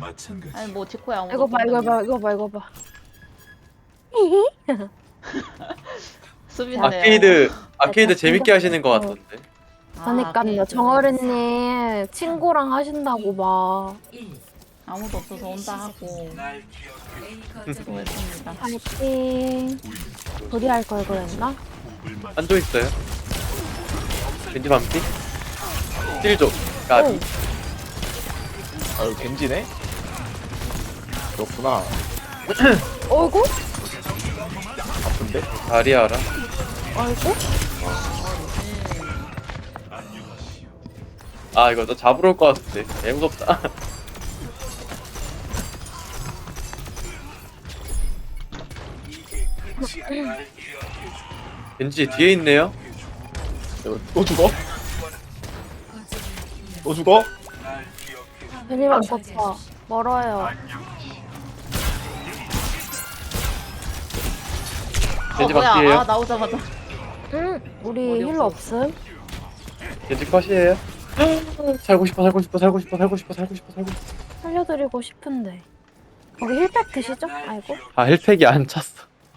아니 뭐 디코야 아무도 이거 봐, 이거 봐, 이거 봐, 이거 봐. 수비네요. 아케이드 재밌게 하시는 것 같던데. 그러니까요, 정어른님 친구랑 하신다고 막. 아무도 없어서 혼자 하고 수고했습니다. 파이팅. 둘이 할 걸 그랬나? 한조 있어요? 겐지 반피? 딜조 까비. 아유 겐지네? 그렇구나. 어이구? 아픈데? 다리아라. 어이구? 아 이거 너 잡으러 올 것 같은데. 개 무섭다. 겐지 뒤에 있네요. 이거 또 죽어? 또 죽어? 괜히 바꿨다. 멀어요. 겐지 뭐야? 반피예요. 아 나오자마자 응, 우리 힐러 없음? 겐지 컷이에요. 살고 싶어. 살려드리고 싶은데. 거기 힐팩 드시죠? 아이고. 아 힐팩이 안 찼어.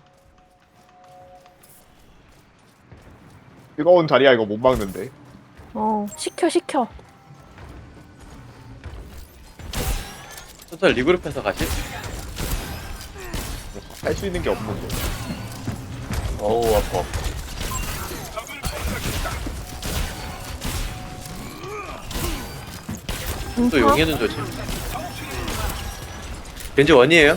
뜨거운 자리야 이거 못 막는데. 시켜. total 리그룹해서 가실? 할 수 있는 게 없는데. 어우 아파. 또 용해는 조심. 겐지 원이에요?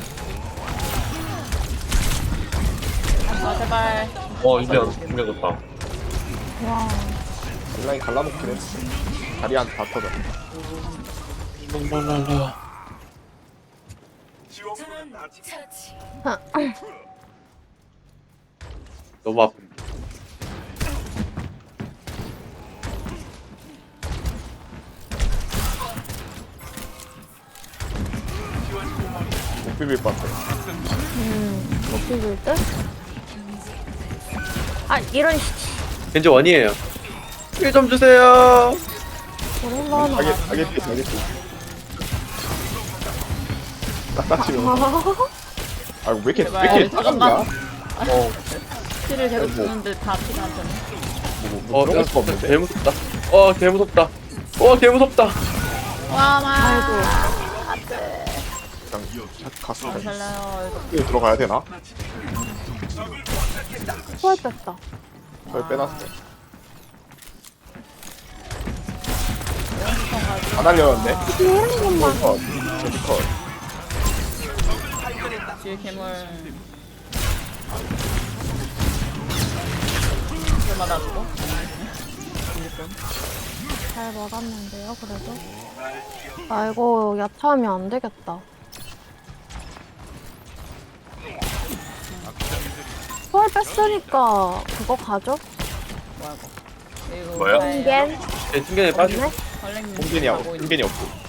아 제발. 인명 좋다. 와. 딜라인 갈라놓긴 했어. 자리한테 다 터져. 너무 아픈데. 못 비빌 것 같아. 못 비빌 듯? 아, 이런 겐지 원이에요. 힐 좀 주세요. 오랜만에. 알겠지. 딱딱 치면. 아, 왜 이렇게 제발, 짜증나? 피를 계속 뭐. 주는데 다 피가 안 차네. 그런 수가 없는데. 개 무섭다. 개 무섭다. 개 무섭다. 와 마. 그냥 갔어. 안 살려요. 이거 들어가야 되나? 초월 뺐다. 저기 빼놨어. 안 알렸는데? 이런 것만. 컷. 저기 컷. 뒤에 괴물. 괴물 맞아주고. 잘 먹었는데요, 그래도. 아, 이거 야타하면 안 되겠다. 초월 뺐으니까 그거 가죠? 뭐야 이거. 뭐야? 겐? 중간에 빠져. 없네? 걸랭님 홍겐이 가고 하고, 있는. 홍겐이 없고.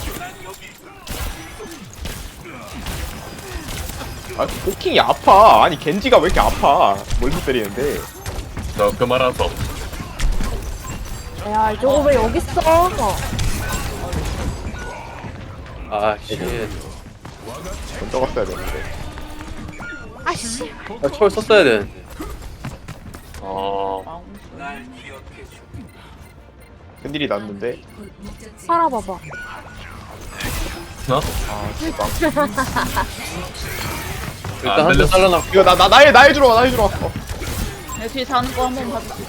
아, 포킹이 아파. 아니, 겐지가 왜 이렇게 아파. 멀리 때리는데. 저 그 말아서 야, 저거 왜 여기 있어? 아 씨. 먼저 갔어야 되는데. 아씨. 초월 썼어야 되는데. 큰일이 났는데. 살아봐봐. 나? 아, 진짜. 일단 안 한대 들렸어. 잘라놨고. 이거 나에 들어와. 내 뒤에 자는 거 한번 봐주세요.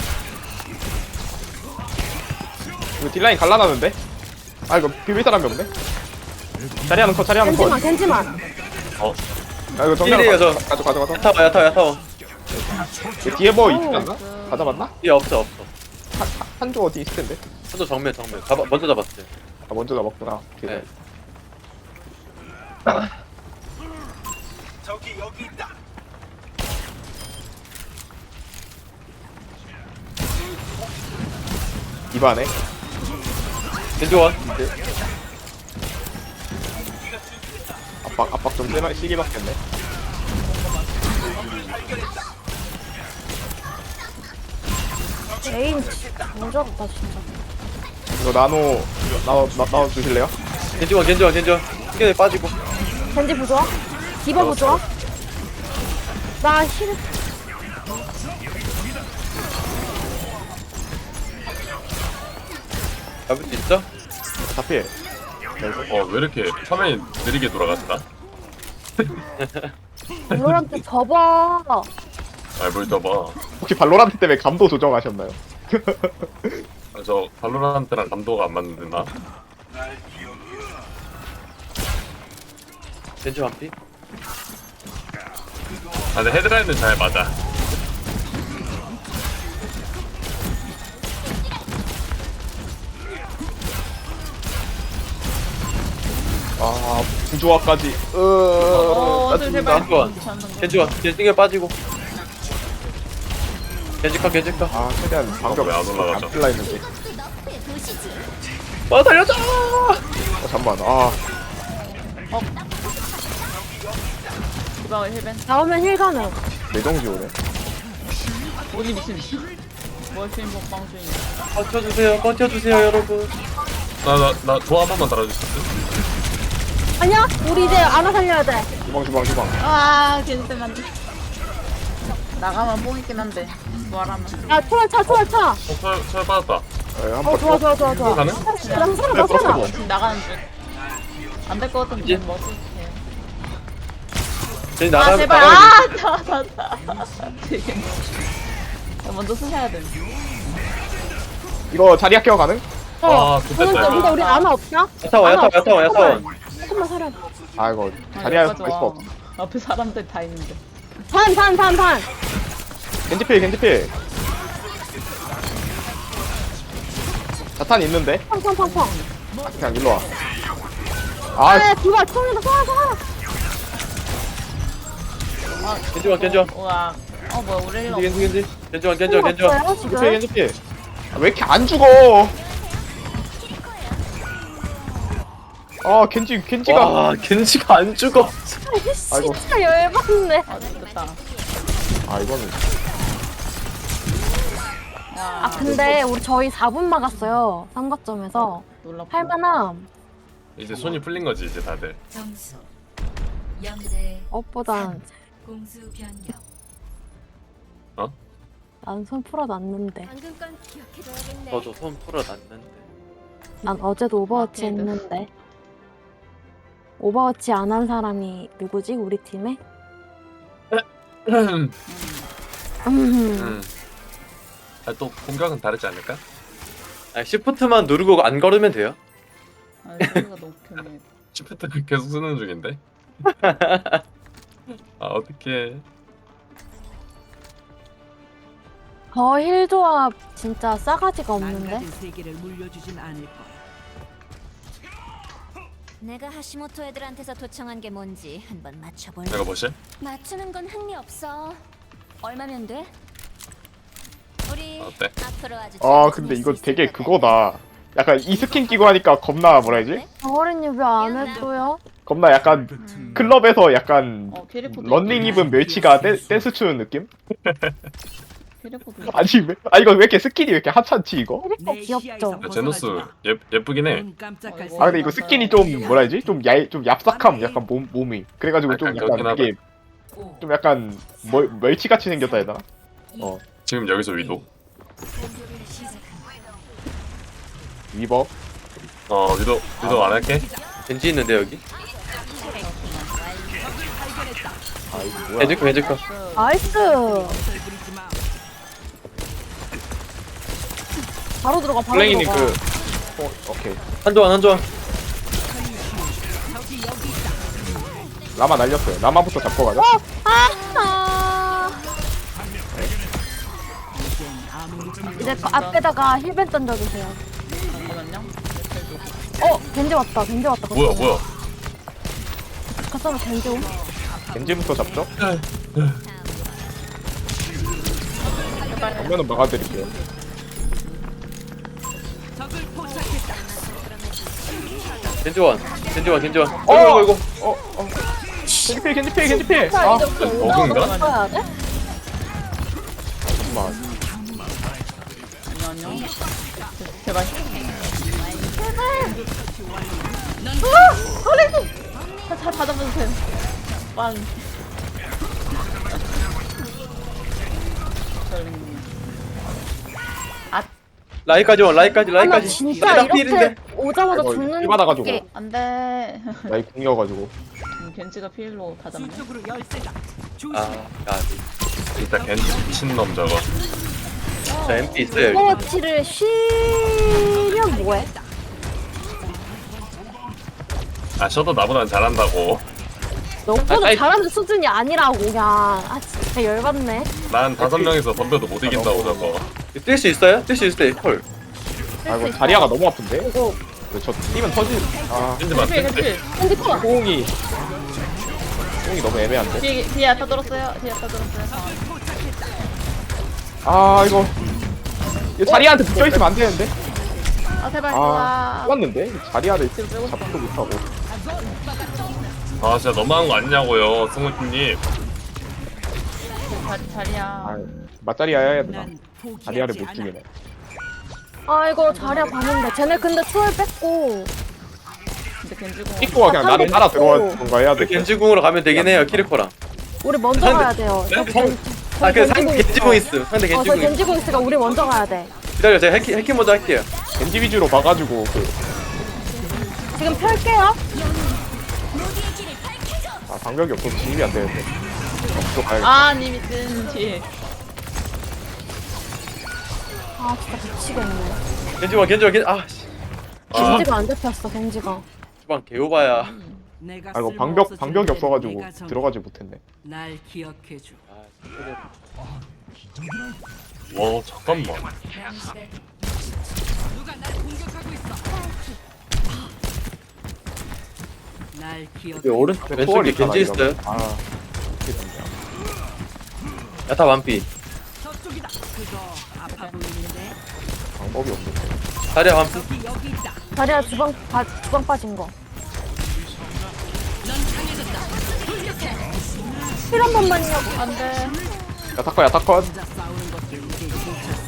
이거 딜라인 갈라놨는데? 아, 이거 비빌 사람이 없네? 자리하는 컷. 겐지만. 아, 이거 힐이에요, 저. 가져. 야타워. 그 뒤에 뭐 있지 않나? 가져봤나? 예, 없어. 한조 어디 있을 텐데. 한조 정면. 먼저 잡았어요. 아, 먼저 잡았구나. 오케이. 네. 입안에. 겐지 원. 압박 좀 시기 받겠네. 에임 무섭다 진짜. 이거 나눠 주실래요? 겐지 원. 튕겨내 빠지고. 겐지 부좋아? 디바 부좋아? 나 힐. 잡을 수 있어? 다 피해. 왜 이렇게 화면이 느리게 돌아갔다? 발로란트 접어. 뭘 떠봐. 혹시 발로란트 때문에 감도 조정하셨나요? 저 발로란트랑 감도가 안 맞는데 나. 겐지 완피? 근데 헤드라인은 잘 맞아. 아 부조화까지. 어들 제발. 겐지 원. 겐지 원. 겐지 튕겨 빠지고. 겐지 컷, 겐지 컷. 아 최대한 방벽 왜안 올라가죠? 안 찔라 했는데. 달려줘! 잠만. 아 디바 힐벤. 나오면 힐 가능. 내정지 오네. 어디 미친. 멀신 먹방 중이야. 버텨주세요, 여러분. 나 도화 한 번만 달아줄 수 있어? 아니야? 우리 이제 안아 살려야 돼. 주방. 아, 겐지 때문에 안 돼. 나가면 뽕 있긴 한데. 부활하면. 야, 초월 차. 철 받았다. 한번 좋아. 가능? 나 살아. 지금 나가는 중. 안 될 것 같은데. 뭐 쓸게요. 겐지 아, 제발. 나가면 되게. 먼저 쓰셔야 돼. 이거 자리 학교 가능? 좋겠다. 근데 우리 안아 없냐? 야타원. 조금만 살아. 아 이거 아, 자리 학교 여기까지 갈 수가 와. 없어. 앞에 사람들 다 있는데. 반. 겐지필. 자탄 있는데? 펑. 그냥 일로 와. 아, 아 디바 총이다. 살아. 겐지 원. 우와. 뭐야, 우리 힐 겐지 원. 없어요, 지금? 겐지필. 아, 왜 이렇게 안 죽어? 아 겐지가. 와, 겐지가 안 죽어. 아이고. 진짜 열받네. 아, 됐다. 아 이거는 와, 아, 근데 우리 저희 4분 막았어요. 삼각점에서. 놀랍다. 할만함. 이제 손이 풀린 거지 이제 다들. 점수 0대 업보단 공수 변경. 난 손 풀어놨는데. 방금 건 기억해둬야겠네. 저도 손 풀어놨는데. 난 어제도 오버워치 아케이드. 했는데. 오버워치 안 한 사람이 누구지? 우리 팀에? 또 공격은 다르지 않을까? 시프트만 누르고 안 걸으면 돼요. 아, 소리가 너무 편해. 시프트를 계속 쓰는 중인데. 어떡해. 저 힐 조합 진짜 싸가지가 없는데? 망가진 세계를 물려주진 않을 거야. 내가 하시모토 애들한테서 도청한 게 뭔지 한번 맞춰볼래? 내가 보실? 맞추는 건 흥미 없어. 얼마면 돼? 우리 어때? 앞으로 아주 아 근데 이거 되게 그거다. 약간 이 스킨 끼고 하니까 겁나 뭐라 해야지? 어린이 왜 안 해줘요? 겁나 약간 클럽에서 약간 캐리코도 런닝 입은 멸치가 댄스 추는 느낌? 캐리코도 아니 이거 왜 이렇게 스킨이 왜 이렇게 하찮지 이거? 내 귀엽죠? 시야에서 야, 제노스 벗어나지 예쁘긴 마. 해. 눈 깜짝할 아이고. 아 근데 생각 이거 스킨이 좀 뭐라 해야지? 좀 얍삭함 약간 몸이. 그래가지고 좀 약간 약간 그렇긴 되게 오, 좀 약간 멸치같이 생겼다 해야 되나? 지금 여기서 위도. 위버. 위도 안 할게. 겐지 있는데 여기. 아 이거 뭐야? 겐지 컷. 나이스! 부리지 마. 바로 들어가, 바로 플랭이님 들어가. 오케이. 한조한. 라마 날렸어요. 라마부터 잡고 가자. 이제 그 앞에다가 힐벤 던져주세요. 잠깐만요. 겐지 왔다. 뭐야? 갔다가 겐지 옴? 겐지부터 잡죠. 정면은 막아드릴게요. 적을 포착했다. 겐지 원. 어이구. 겐지필. 아 버그인가? 써야 돼? 잠깐만. 안녕. 제발. 헐리지! 빵. 저는 라이까지 와 라이까지 아, 나 라이까지. 진짜 나 이렇게 필인데. 오자마자 이거 죽는 일 받아가지고. 게 안돼. 나이 궁이어가지고. 겐지가 필로 다 잡네. 수적으로 열세다. 조심. 아, 야, 일단 겐지 미친놈 저거. 저 MP 있어요. 여기. 오버워치를 쉬면 뭐해? 아 셔도 나보단 잘한다고. 너보다 아이. 잘하는 수준이 아니라고 그냥. 아 진짜 열받네. 난 5명이서 덤벼도 못 이긴다고 저거. 뛸 수 있어요? 뛸 수 있어요. 콜. 아이고 자리아가 너무 아픈데? 이거 저 뛰면 터지. 아 겐지 맞 필 겐지. 핸드폰 호응이 너무 애매한데? 뒤에 아타 들었어요. 뒤에 아타 들었어요. 아 이거 자리아한테 붙여있으면 안 되는데? 아 제발. 아 와. 좋았는데? 자리아를 잡지도 못하고. 아 진짜 너무한 거 아니냐고요 승우님. 자리야. 아 맞자리야 해야 되나? 난 포기하지 자리아를 못 않아. 죽이네. 아 이거 자리야 봤는데 쟤네 근데 초월 뺐고 근데 겐지고. 삐꼬가 그냥 나를 따라 들어와 뭔가 해야 돼. 겐지궁으로 가면 되긴 해요. 키르코랑. 우리 먼저 상대- 가야 돼요. 저기 성- 아, 그 상대 겐지궁 있음. 상대 저 겐지궁 있음. 겐지고 있으니까 우리 먼저 가야 돼. 기다려, 제가 해킹 먼저 할게요. 겐지 위주로 봐가지고 지금 펼게요. 아 방벽이 없어서 진입이 안 되는데. 또 가야겠다. 아 니미튼 뒤에. 아 진짜 미치겠네. 겐지궁. 아, 씨. 겐지가 안 잡혔어 겐지가. 주방 개오바야. 내가 아 이거 쓸모없어진 방벽이 데 없어가지고 내가 전- 들어가지 못했네. 날 기억해줘. 와 잠깐만. 누가 날 공격하고 있어. 날 기억. 여기 오른쪽 왼쪽에 겐지 있어요. 아 이게 됐냐. 야타 완피. 저쪽이다. 그거 아파 보이는데. 방법이 없어. 자리야 완피. 여기 있다. 자리야 주방 빠진 거. 힐 한 번만요. 안돼. 야타컷 야타컷. 혼자 싸우는 것도 이제 지쳤어.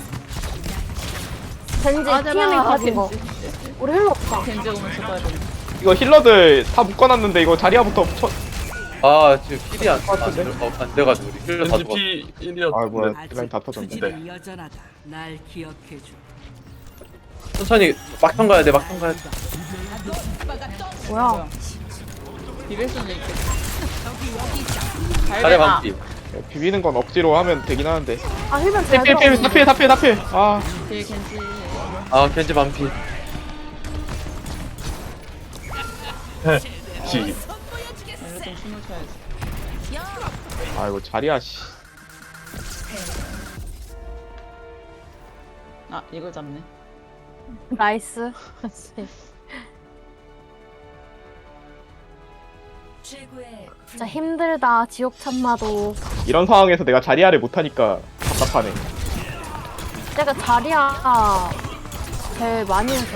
겐지 아 TM이 빠진 거. 겐지. 우리 힐러 없다. 겐지 오면 죽어야 돼. 이거 힐러들 다 묶어놨는데 이거 자리아부터 쳐. 아, 지금 힐이 안 돼가지고 우리 힐러 다 겐지 죽었어. P 아 뭐야 1이었는데. 딜라인 다 터졌네. 투지는 여전하다. 날 기억해줘. 천천히 막턴 가야 돼. 막턴 가야 돼. 뭐야? 비빌 수는 있겠다. 자리야 완피. 비비는 건 억지로 하면 되긴 하는데. 아 힐면 잘 필 들어. 다필. 아 뒤에 겐지. 아, 겐지 완피. 지. 이럴 땐 춤을 춰야지. 아 이거 자리아 씨. 아 이걸 잡네. 나이스. 진짜 힘들다 지옥 참마도. 이런 상황에서 내가 자리아를 못하니까 답답하네. 내가 자리야 제일 많이 해서.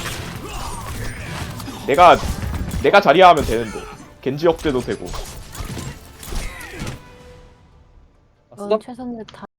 내가 자리아 하면 되는데 겐지 억제도 되고. 넌 최선을 다.